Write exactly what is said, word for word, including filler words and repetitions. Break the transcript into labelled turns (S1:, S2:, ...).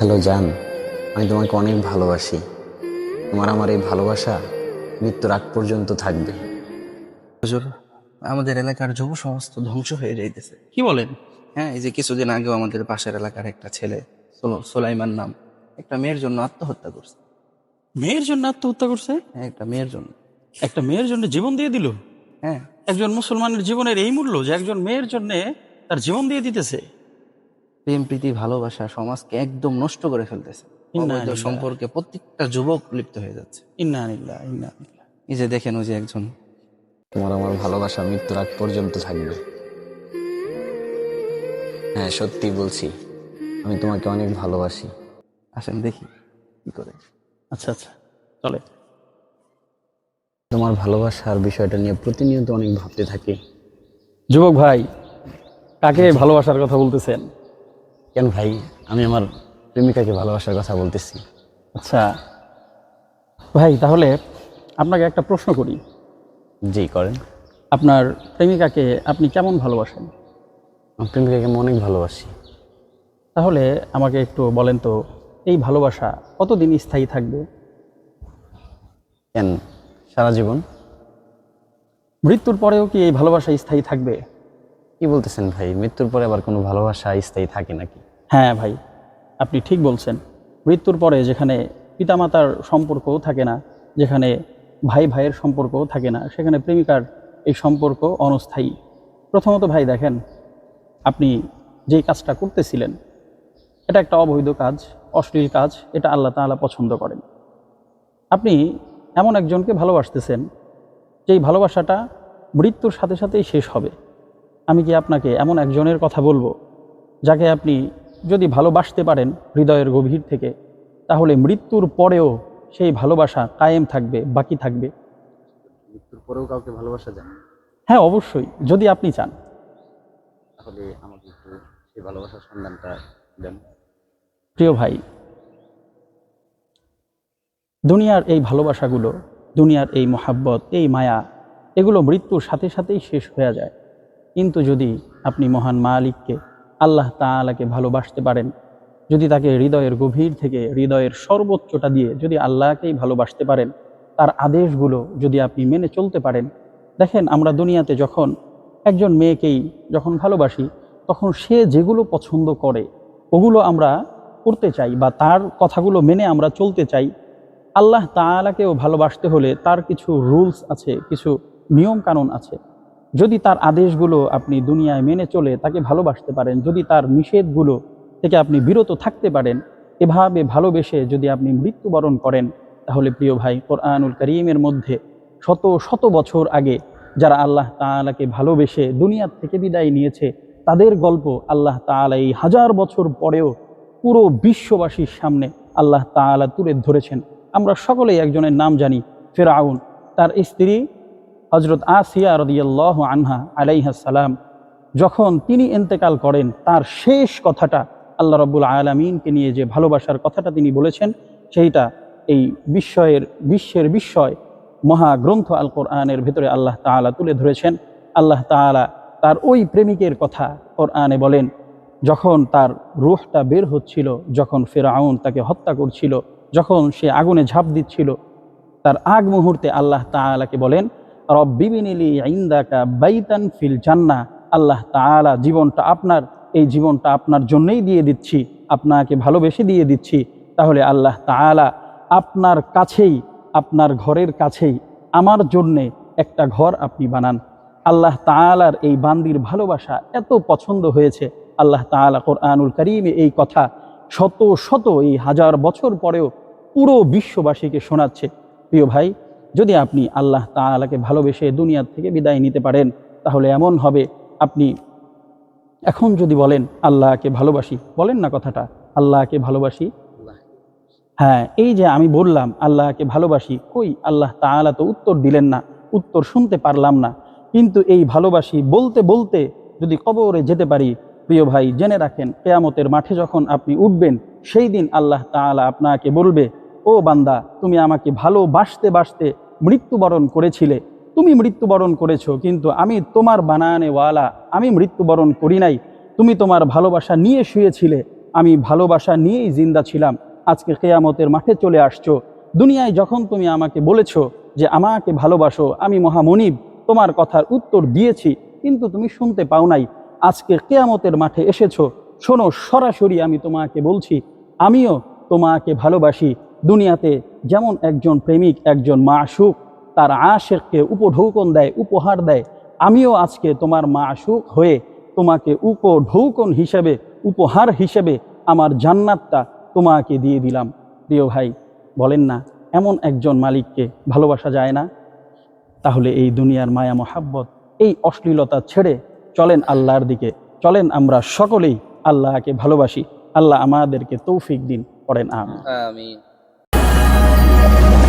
S1: Hello জান, আমি তোমাকে অনেক ভালোবাসি। তোমার আমার এই ভালোবাসা মৃত্যুর আগ পর্যন্ত থাকবে।
S2: হুজুর, আমাদের এলাকার যুব সমাজ তো ধ্বংস হয়ে যাইতেছে।
S3: কি বলেন?
S2: হ্যাঁ, এই যে কিছুদিন আগেও আমাদের পাশের এলাকার একটা ছেলে, সোলো- সোলাইমান নাম, একটা মেয়ের জন্য আত্মহত্যা করছে।
S3: মেয়ের জন্য আত্মহত্যা করছে?
S2: হ্যাঁ, একটা মেয়ের জন্য।
S3: একটা মেয়ের জন্য জীবন দিয়ে দিল?
S2: হ্যাঁ,
S3: একজন মুসলমানের জীবনের এই মূল্য যে একজন মেয়ের জন্য তার জীবন দিয়ে দিতেছে?
S2: প্রেম প্রীতি ভালোবাসা সমাজকে একদম নষ্ট করে ফেলতেছে।
S3: ইন্না
S2: অবৈধ
S3: লিল্লাহ।
S2: সম্পর্কে প্রত্যেকটা যুবক লিপ্ত হয়ে যাচ্ছে।
S3: ইন্না লিল্লাহ, ইন্না লিল্লাহ।
S2: এই যে দেখেন, ওই যে একজন,
S1: তোমার আমার ভালোবাসা মৃত্যুর আগ পর্যন্ত থাকবে। হ্যাঁ, সত্যি বলছি, আমি তোমাকে অনেক ভালোবাসি।
S2: আসেন দেখি কি করে।
S3: আচ্ছা আচ্ছা, চলে।
S1: তোমার ভালোবাসার বিষয়টা নিয়ে প্রতিনিয়ত অনেক ভাবতে থাকি।
S3: যুবক ভাই, কাকে ভালোবাসার কথা বলতেছেন?
S1: কেন ভাই, আমি আমার প্রেমিকাকে ভালোবাসার কথা বলতেছি।
S3: আচ্ছা ভাই, তাহলে আপনাকে একটা প্রশ্ন করি।
S1: জি করেন।
S3: আপনার প্রেমিকাকে আপনি কেমন ভালোবাসেন?
S1: আমার প্রেমিকাকে আমি অনেক ভালোবাসি।
S3: তাহলে আমাকে একটু বলেন তো, এই ভালোবাসা কতদিন স্থায়ী থাকবে?
S1: কেন, সারা জীবন?
S3: মৃত্যুর পরেও কি এই ভালোবাসা স্থায়ী থাকবে?
S1: কি বলতেছেন ভাই, মৃত্যুর পরে আবার কোনো ভালোবাসা স্থায়ী থাকে নাকি?
S3: হ্যাঁ ভাই, আপনি ঠিক বলছেন। মৃত্যুর পরে যেখানে পিতামাতার সম্পর্কও থাকে না, যেখানে ভাই ভাইয়ের সম্পর্কও থাকে না, সেখানে প্রেমিকার এই সম্পর্ক অনস্থায়ী। প্রথমত ভাই দেখেন, আপনি যেই কাজটা করতেছিলেন এটা একটা অবৈধ কাজ, অশ্লীল কাজ, এটা আল্লাহ তাআলা পছন্দ করেন। আপনি এমন একজনকে ভালোবাসতেছেন যেই ভালোবাসাটা মৃত্যুর সাথে সাথেই শেষ হবে। আমি কি আপনাকে এমন একজনের কথা বলবো যাকে আপনি যদি ভালোবাসতে পারেন হৃদয়ের গভীর থেকে, তাহলে মৃত্যুর পরেও সেই ভালোবাসা কায়েম থাকবে, বাকি থাকবে?
S1: মৃত্যুর পরেও কাউকে ভালোবাসা যায়?
S3: হ্যাঁ অবশ্যই, যদি আপনি চান।
S1: তাহলে আমাকে একটু সেই ভালোবাসার সন্ধানটা দেন।
S3: প্রিয় ভাই, দুনিয়ার এই ভালোবাসাগুলো, দুনিয়ার এই মহাব্বত, এই মায়া, এগুলো মৃত্যুর সাথে সাথেই শেষ হয়ে যায়। কিন্তু যদি আপনি মহান মালিককে, আল্লাহ তাআলাকে ভালোবাসতে পারেন, যদি তাকে হৃদয়ের গভীর থেকে, হৃদয়ের সর্বোচ্চটা দিয়ে যদি আল্লাহকেই ভালোবাসতে পারেন, তার আদেশগুলো যদি আপনি মেনে চলতে পারেন। দেখেন, আমরা দুনিয়াতে যখন একজন মেয়েকেই যখন ভালোবাসি, তখন সে যেগুলো পছন্দ করে ওগুলো আমরা করতে চাই বা তার কথাগুলো মেনে আমরা চলতে চাই। আল্লাহ তাআলাকেও ভালোবাসতে হলে তার কিছু রুলস আছে, কিছু নিয়ম কানুন আছে। যদি তার আদেশগুলো আপনি দুনিয়ায় মেনে চলে তাকে ভালোবাসতে পারেন, যদি তার নিষেধগুলো থেকে আপনি বিরত থাকতে পারেন, এভাবে ভালোবেসে যদি আপনি মৃত্যুবরণ করেন, তাহলে প্রিয় ভাই, কোরআনুল কারীমের মধ্যে শত শত বছর আগে যারা আল্লাহ তাআলাকে ভালোবেসে দুনিয়ার থেকে বিদায় নিয়েছে, তাদের গল্প আল্লাহ তাআলা এই হাজার বছর পরেও পুরো বিশ্ববাসীর সামনে আল্লাহ তাআলা তুলে ধরেছেন। আমরা সকলেই একজনের নাম জানি, ফিরআউন। তার স্ত্রী হজরত আসিয়া রাদিয়াল্লাহু আনহা আলাইহিস সালাম, যখন তিনি ইন্তেকাল করেন, তার শেষ কথাটা আল্লাহ রাব্বুল আলামিনকে নিয়ে যে ভালোবাসার কথাটা তিনি বলেছেন, সেইটা এই বিস্ময়ের বিশ্বের বিস্ময় মহাগ্রন্থ আল কোরআনের ভেতরে আল্লাহ তাআলা তুলে ধরেছেন। আল্লাহ তাআলা তার ওই প্রেমিকের কথা কোরআনে বলেন, যখন তার রূহটা বের হচ্ছিল, যখন ফিরআউন তাকে হত্যা করছিল, যখন সে আগুনে ঝাঁপ দিচ্ছিল, তার আগ মুহূর্তে আল্লাহ তাআলাকে বলেন, রব্বিবিনিলি ইনদাকা বাইতান ফিল জান্নাহ। আল্লাহ তাআলা, জীবনটা আপনার, এই জীবনটা আপনার জন্যই দিয়ে দিচ্ছি, আপনাকে ভালোবেসে দিয়ে দিচ্ছি। তাহলে আল্লাহ তাআলা আপনার কাছেই, আপনার ঘরের কাছেই আমার জন্যে একটা ঘর আপনি বানান। আল্লাহ তাআলার এই বান্দির ভালোবাসা এত পছন্দ হয়েছে, আল্লাহ তাআলা কোরআনুল কারীমে এই কথা শত শত, এই হাজার বছর পরেও পুরো বিশ্ববাসীকে শোনাচ্ছে। প্রিয় ভাই, যদি আপনি আল্লাহ তাআলাকে ভালোবেসে দুনিয়ার থেকে বিদায় নিতে পারেন, তাহলে এমন হবে, আপনি এখন যদি বলেন আল্লাহকে ভালোবাসি, বলেন না কথাটা, আল্লাহকে ভালোবাসি। হ্যাঁ, এই যে আমি বললাম আল্লাহকে ভালোবাসি, কই আল্লাহ তাআলা তো উত্তর দিলেন না, উত্তর শুনতে পারলাম না। কিন্তু এই ভালোবাসি বলতে বলতে যদি কবরে যেতে পারি, প্রিয় ভাই জেনে রাখেন, কিয়ামতের মাঠে যখন আপনি উঠবেন, সেই দিন আল্লাহ তাআলা আপনাকে বলবে, ও বান্দা, তুমি আমাকে ভালোবাসতে বাসতে মৃত্যুবরণ করেছিলে, তুমি মৃত্যুবরণ করেছো, কিন্তু আমি তোমার বানানেওয়ালা, আমি মৃত্যুবরণ করি নাই। তুমি তোমার ভালোবাসা নিয়ে শুয়েছিলে, আমি ভালোবাসা নিয়েই জিন্দা ছিলাম, আজকে কিয়ামতের মাঠে চলে আসছো। দুনিয়ায় যখন তুমি আমাকে বলেছো যে আমাকে ভালোবাসো, আমি মহামনিব তোমার কথার উত্তর দিয়েছি, কিন্তু তুমি শুনতে পাও নাই। আজকে কিয়ামতের মাঠে এসেছো, শোনো সরাসরি আমি তোমাকে বলছি, আমিও তোমাকে ভালোবাসি। দুনিয়াতে যেমন একজন প্রেমিক, একজন মাশূক তার আশেককে উপঢৌকন দেয়, উপহার দেয়, আমিও আজকে তোমার মাশূক হয়ে তোমাকে উপঢৌকন হিসেবে, উপহার হিসেবে আমার জান্নাতটা তোমাকে দিয়ে দিলাম। প্রিয় ভাই, বলেন না এমন একজন মালিককে ভালোবাসা যায় না? তাহলে এই দুনিয়ার মায়া মহাব্বত, এই অশ্লীলতা ছেড়ে চলেন আল্লাহর দিকে, চলেন আমরা সকলেই আল্লাহকে ভালোবাসি। আল্লাহ আমাদেরকে তৌফিক দিন, পড়েন আমিন।
S2: আমিন।